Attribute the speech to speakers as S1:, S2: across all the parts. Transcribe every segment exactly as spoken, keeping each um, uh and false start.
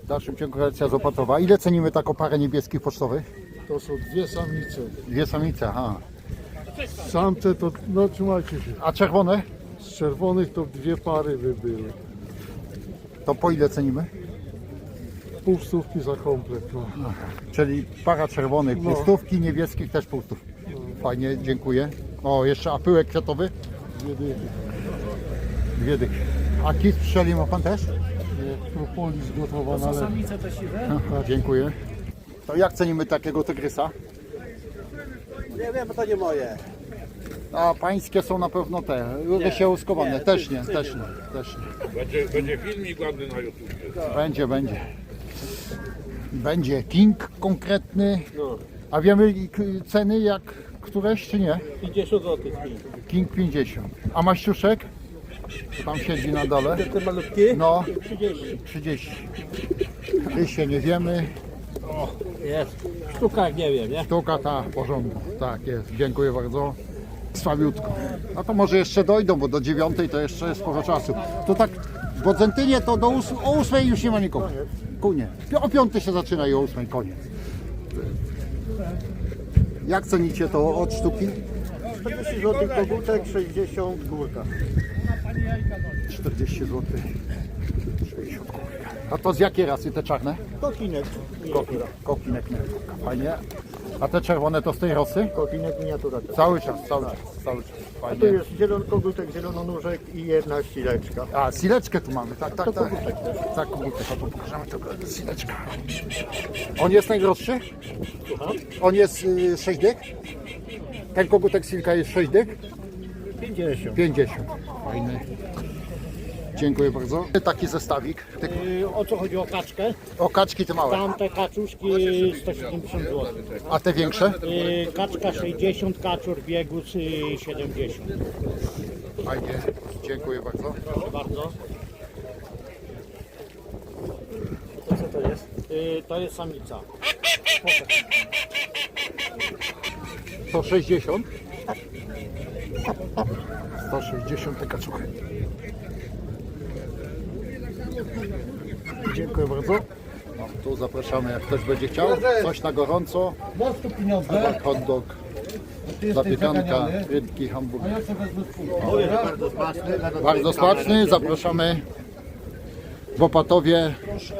S1: dalszym ciągu relacja z Opatowa. Ile cenimy taką parę niebieskich pocztowych?
S2: To są dwie samice.
S1: Dwie samice, aha.
S2: Samce to, no trzymajcie się.
S1: A czerwone?
S2: Z czerwonych to dwie pary by były.
S1: To po ile cenimy?
S2: Pół stówki za komplet. No.
S1: Czyli para czerwonych
S2: No.
S1: półstówki, niebieskich też półstówki. Fajnie, dziękuję. O, jeszcze a pyłek kwiatowy?
S2: Dwie dychy.
S1: Dwie dychy. A kit strzeli ma pan też?
S2: Nie, propolis gotowana. Ale...
S1: Aha, dziękuję. To jak cenimy takiego tygrysa?
S3: Nie wiem, bo to nie moje.
S1: A pańskie są na pewno te, wysiałkowane.
S3: nie,
S1: Też
S3: ty-
S1: nie,
S3: ty-
S1: też nie, też nie.
S4: Będzie, będzie filmik ładny na YouTube.
S1: Będzie, będzie. Będzie king konkretny.
S3: No.
S1: A wiemy k- ceny jak któreś czy nie?
S3: pięćdziesiąt złotych.
S1: King pięćdziesiąt. A maściuszek? Tam siedzi na dole.
S3: Te malutki?
S1: No,
S3: trzydzieści.
S1: trzydzieści. Ty się nie wiemy.
S3: Jest. W sztukach nie wiem, nie?
S1: Sztuka ta w porządku. Tak jest. Dziękuję bardzo. Słabiutko. No to może jeszcze dojdą, bo do dziewiątej to jeszcze jest sporo czasu. To tak w Bodzentynie to do ós o ósmej już nie ma nikogo. Kunie. O piątej się zaczyna i o ósmej koniec. Jak cenicie to od sztuki?
S5: czterdzieści złotych kogutek, sześćdziesiąt górka.
S1: czterdzieści złotych. sześćdziesiąt kurka. A to z jakiej rasy te czarne?
S5: Kokinek miniatura.
S1: Kokinek miniaturka. Fajnie. A te czerwone to z tej rosy?
S5: Kokinek miniatura.
S1: Cały czas, cały czas, cały czas.
S5: Tu
S1: Fajnie.
S5: jest zielony kogutek, zielononóżek i jedna ścileczka.
S1: A, sileczkę tu mamy, tak, tak,
S5: To
S1: tak.
S5: kogutek też.
S1: Tak, kogutek, to pokażemy tylko sileczka. On jest najdroższy? On jest y, sześć dych? Ten kogutek silka jest sześć dych?
S5: pięćdziesiąt.
S1: pięćdziesiąt. Fajny. Dziękuję bardzo. Taki zestawik. Ty,
S3: Yy, o co chodzi o kaczkę?
S1: o kaczki te małe.
S3: Tamte kaczuszki sto siedemdziesiąt złotych.
S1: A te większe?
S3: Yy, kaczka sześćdziesiąt, kaczor biegus yy, siedemdziesiąt.
S1: Fajnie. Dziękuję bardzo.
S3: Proszę bardzo. To co to jest? Yy, to jest samica.
S1: sto sześćdziesiąt. sto sześćdziesiąt te kaczuchy. Dziękuję bardzo. No, tu zapraszamy, jak ktoś będzie chciał. Coś na gorąco. Tak, hot dog, zapiekanka, rybki, hamburger.
S5: Bardzo smaczny.
S1: Bardzo smaczny. Zapraszamy w Opatowie.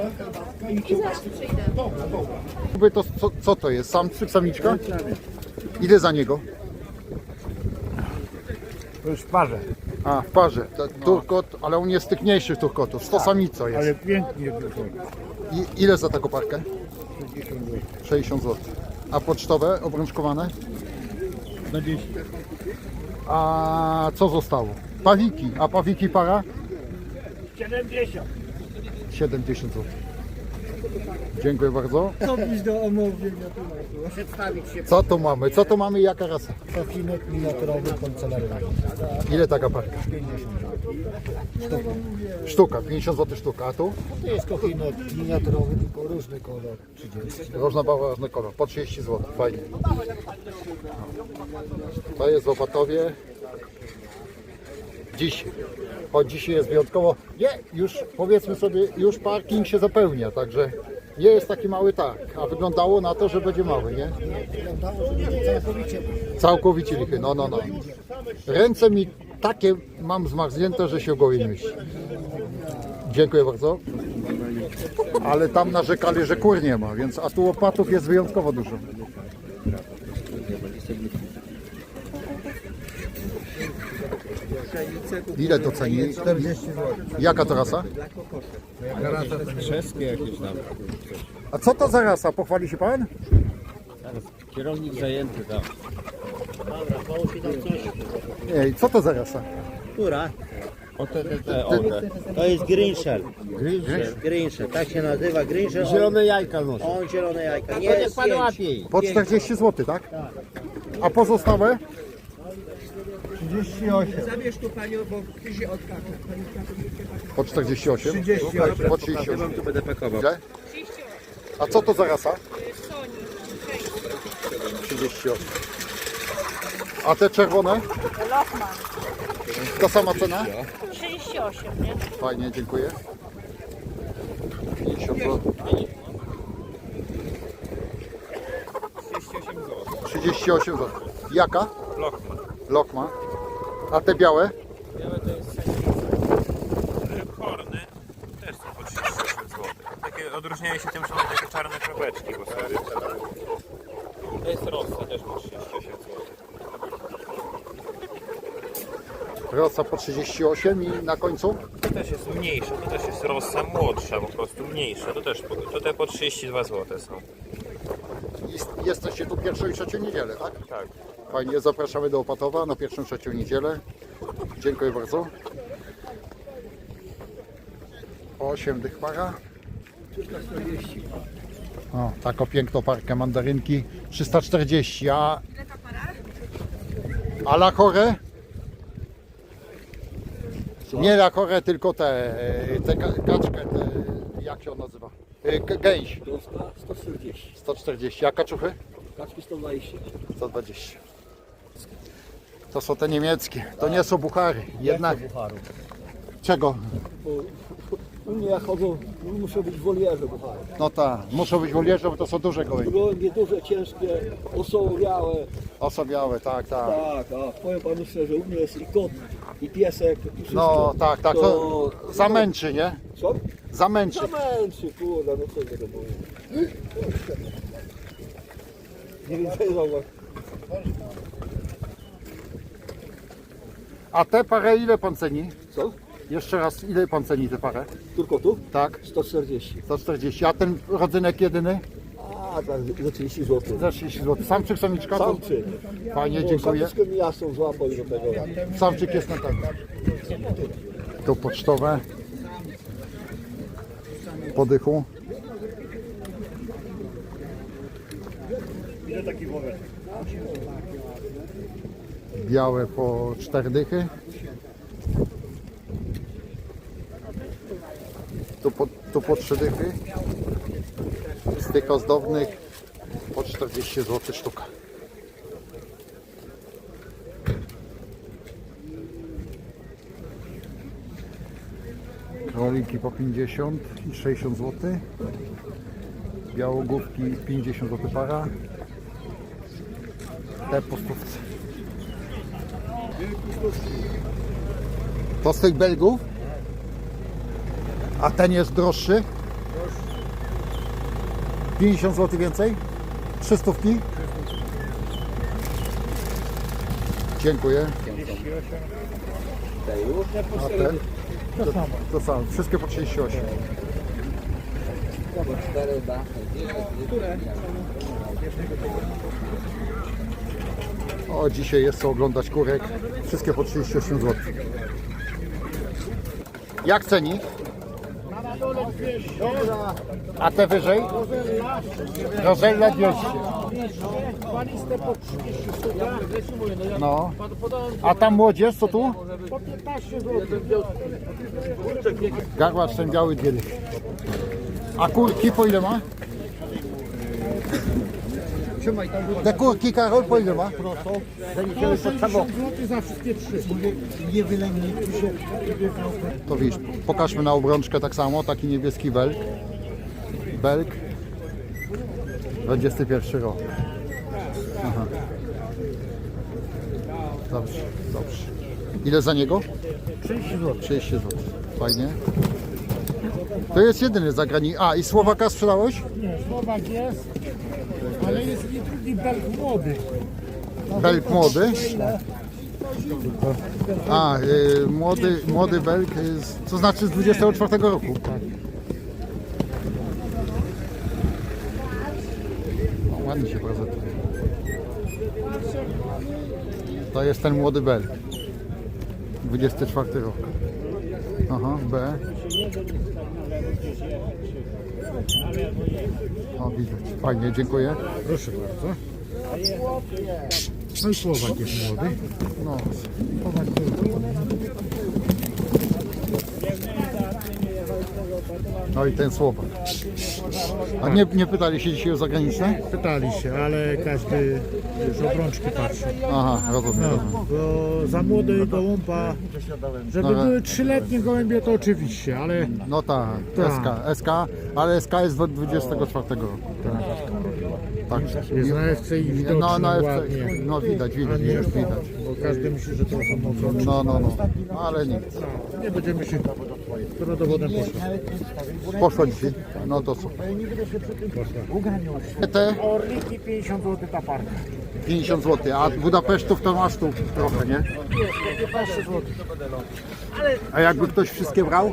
S1: To, co, co to jest? Samczyk, samiczka? Ile za niego?
S2: To jest w parze.
S1: A, w parze. To, turkot, ale on jest z tych mniejszych turkotów. sto samico jest.
S2: Ale pięknie wychodzi.
S1: I, ile za taką parkę? sześćdziesiąt złotych. A pocztowe, obrączkowane?
S2: dwadzieścia.
S1: A co zostało? Pawiki. A pawiki para?
S3: siedemdziesiąt.
S1: siedemdziesiąt złotych. Dziękuję bardzo.
S5: Co byś do omówienia Przedstawić się.
S1: Co tu mamy? Co tu mamy i jaka rasa?
S5: Kokinek miniaturowy kancelaryjny.
S1: Ile taka parka? Sztuka, pięćdziesiąt złotych sztuka. A tu?
S5: To jest kokinek miniaturowy, tylko różny kolor. trzydzieści.
S1: Różna bała, różny kolor. Po trzydzieści złotych. Fajnie. To jest w Opatowie. Dziś. Choć dzisiaj jest wyjątkowo. Nie, już powiedzmy sobie, już parking się zapełnia, także nie jest taki mały targ. A wyglądało na to, że będzie mały, nie?
S5: Wyglądało, że będzie całkowicie.
S1: Całkowicie lichy. No, no, no. Ręce mi takie mam zmarznięte, że się w głowie nie mieści. Dziękuję bardzo. Ale tam narzekali, że kur nie ma, więc a tu opatów jest wyjątkowo dużo. Ile to ceni?
S5: czterdzieści złotych.
S1: Jaka to rasa?
S2: Czeskie jakieś tam.
S1: A co to za rasa? Pochwali się pan?
S2: Kierownik zajęty tam.
S3: Dobra, połóż mi tam coś.
S1: Nie, co to za rasa?
S3: Która?
S2: O te, te, te, o te.
S3: To jest Greenshell.
S2: Gryzie.
S3: Greenshell, tak się nazywa Greenshell. On,
S2: Zielone jajka noszą.
S3: on zielone jajka.
S2: To
S3: Nie
S2: niech
S3: jest
S2: pan
S3: pięć.
S2: łapie.
S1: Po czterdzieści złotych, tak? A pozostałe?
S5: trzydzieści osiem.
S1: Po czterdzieści osiem?
S5: trzydzieści osiem.
S1: Po trzydzieści osiem.
S2: Tu będę pakował.
S1: Ile? A co to za rasa? trzydzieści osiem. A te czerwone?
S6: Lochman,
S1: Ta sama cena?
S6: trzydzieści osiem, nie?
S1: Fajnie, dziękuję. pięćdziesiąt pięćdziesiąt złotych. trzydzieści osiem złotych. Jaka?
S6: Lokma.
S1: Lokma. A te białe?
S6: Białe to jest horny. Też są po trzydzieści osiem złotych. Takie odróżniają się tym, że mają takie czarne kropeczki po sobie. To jest rossa też po trzydzieści osiem złotych.
S1: Rosa po trzydzieści osiem i na końcu?
S6: To też jest mniejsza, to też jest rossa młodsza, po prostu mniejsza. To też po, to te po trzydzieści dwa złote są.
S1: Jest- Jesteście tu pierwszą i trzecią niedzielę, tak?
S6: Tak.
S1: Fajnie, zapraszamy do Opatowa na pierwszą, trzecią niedzielę. Dziękuję bardzo. osiem dych para. O, taką piękną parkę mandarynki. trzysta czterdzieści, a... A la chore? Nie la chore, tylko te, te ka- kaczkę, te, jak się on nazywa? E, g- Gęś.
S5: sto czterdzieści.
S1: sto czterdzieści, a kaczuchy?
S5: Kaczki sto dwadzieścia.
S1: sto dwadzieścia. To są te niemieckie, to nie są buchary. Jednak.
S5: Bucharów.
S1: Czego?
S5: U mnie jak chodzą, muszą być wolierze buchary.
S1: No tak, muszą być wolierze, bo to są duże gołębie.
S5: Gołębie duże, ciężkie, osobiałe.
S1: Osobiałe, tak, tak.
S5: Tak, a powiem panu szczerze, u mnie jest i kot, i piesek, i wszystko.
S1: No tak, tak, to zamęczy, nie?
S5: Co?
S1: Zamęczy.
S5: Zamęczy, kurde, no co tego powiem. Nie więcej zauważ.
S1: A te parę ile pan ceni?
S5: Co?
S1: Jeszcze raz, ile pan ceni tę parę?
S5: Tylko tu?
S1: Tak,
S5: sto czterdzieści.
S1: sto czterdzieści. A ten rodzynek jedyny?
S5: A, tak, za trzydzieści złotych.
S1: Za trzydzieści złotych. Samczyk, samiczka? To
S5: Samczyk.
S1: fajnie, dziękuję.
S5: Samczyk mi jasną złapał i do tego.
S1: Samczyk jest na pewno. Tu pocztowe. Po dychu. Białe po cztery dychy. Tu po, tu po trzy dychy. Z tych ozdobnych po czterdzieści złotych sztuka. Króliki po pięćdziesiąt i sześćdziesiąt złotych. Białogłówki pięćdziesiąt złotych para. Te po stówce. To z tych Belgów? A ten jest droższy? pięćdziesiąt złotych więcej? Trzy stówki? Dziękuję. A ten? To, to samo. Wszystkie po trzydzieści osiem. O, dzisiaj jest co oglądać kurek. Wszystkie po trzydzieści osiem złotych. Jak ceni? A te wyżej? Rozella dwieście. No. A tam młodzież, co tu? Garłacz ten biały dwie dychy. A kurki po ile ma? Te kurki, Karol, po ile ma?
S3: za wszystkie trzy.
S1: To widzisz, pokażmy na obrączkę tak samo, taki niebieski belk. Belk. dwudziesty pierwszy rok. Aha. Dobrze, dobrze. Ile za niego? trzydzieści złotych. trzydzieści złotych. Fajnie. To jest jedyny zagraniczny. A, i Słowaka sprzedałeś?
S3: Nie, Słowak jest, ale jest i drugi belg młody.
S1: Belk młody. A, y, młody, młody belk, y, z- co znaczy z dwudziestego czwartego roku. No, ładnie się prezentuje. To jest ten młody belk. dwudziesty czwarty rok. Aha, B. O, widać. Fajnie, dziękuję.
S3: Proszę bardzo. No i Słowak jest młody.
S1: No,
S3: Słowak to
S1: No i ten słopak. A nie, nie pytali się dzisiaj o zagraniczne?
S3: Pytali się, ale każdy już obrączki patrzy.
S1: Aha, rozumiem, rozumiem.
S3: Bo za młody gołąba, żeby
S1: No, ale-
S3: były trzyletnie gołębie, to oczywiście, ale
S1: No tak,
S3: Tak.
S1: S K, S K, ale S K jest do dwudziestego czwartego roku. Tak.
S3: jest na F C i widoczne
S1: No, no,
S3: ładnie.
S1: no widać,
S3: A
S1: widać,
S3: nie,
S1: już widać.
S3: bo każdy myśli, że to są obrączki.
S1: No, no, no, ale nic.
S3: Nie będziemy się to dowodem poszło.
S1: Poszło dzisiaj, no to super. Te
S3: Orliki pięćdziesiąt złotych ta parka.
S1: pięćdziesiąt złotych, a Budapesztów to masz tu trochę, nie?
S3: piętnaście złotych.
S1: A jakby ktoś wszystkie brał?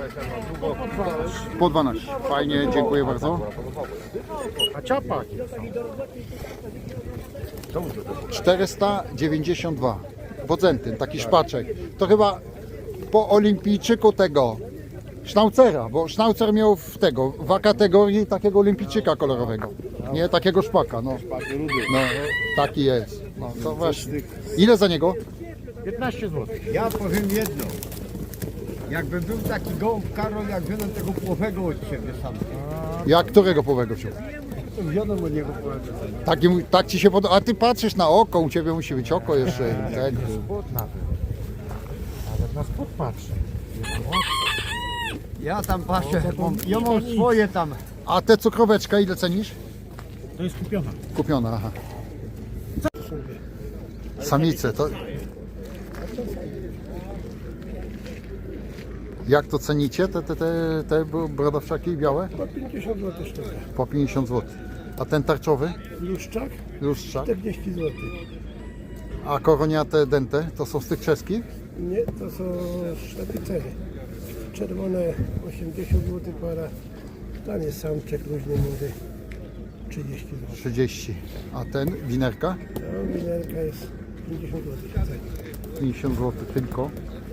S1: Po dwanaście. Fajnie, dziękuję bardzo.
S3: A ciapak?
S1: czterysta dziewięćdziesiąt dwa. Bodzentyn, taki szpaczek. To chyba po olimpijczyku tego Schnaucera, bo Schnauzer miał w tego, w kategorii takiego olimpijczyka kolorowego. Nie, takiego szpaka, no. No, taki jest. No, to właśnie. Ile za niego?
S3: piętnaście złotych.
S2: Ja powiem jedno. Jakby był taki gołąb Karol, jak wziąłem tego płowego od siebie sam.
S1: Jak którego połowego wziął?
S2: To wziąłem od niego płowego.
S1: Taki, mu- tak ci się podoba. A ty patrzysz na oko, u ciebie musi być oko jeszcze. i Tego.
S3: Spód nawet. Nawet na spód patrzy.
S2: Ja tam patrzę, mam, ja mam swoje tam.
S1: A te cukroweczka ile cenisz?
S3: To jest kupiona.
S1: Kupiona, aha. Samice, to... Jak to cenicie, te, te, te, te brodawczaki białe?
S5: Po pięćdziesiąt złotych sztuka.
S1: Po pięćdziesiąt złotych. A ten tarczowy?
S5: Luszczak
S1: Lustrzak.
S5: czterdzieści złotych.
S1: A koroniate dente, to są z tych czeskich?
S5: Nie, to są sztapicery. Czerwone osiemdziesiąt złotych para. Tam jest samczek luźny młody. trzydzieści złotych.
S1: trzydzieści. A ten, winerka?
S5: No, minerka jest pięćdziesiąt złotych.
S1: pięćdziesiąt złotych tylko.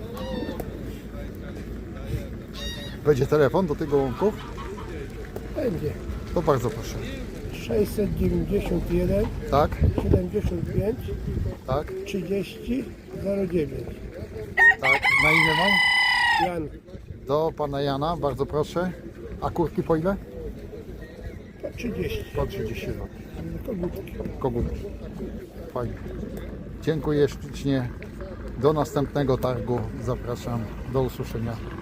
S1: Będzie telefon do tych gołąbków?
S5: Będzie.
S1: To bardzo proszę.
S5: sześćset dziewięćdziesiąt jeden
S1: Tak,
S5: siedemdziesiąt pięć
S1: tak,
S5: trzydzieści zero dziewięć.
S1: tak. Na imię mam?
S5: Jan,
S1: Do pana Jana, bardzo proszę. A kurki po ile?
S5: po trzydzieści.
S1: Po trzydzieści złotych.
S5: Kogutki.
S1: Kogutki. Fajnie. Dziękuję ślicznie. Do następnego targu. Zapraszam. Do usłyszenia.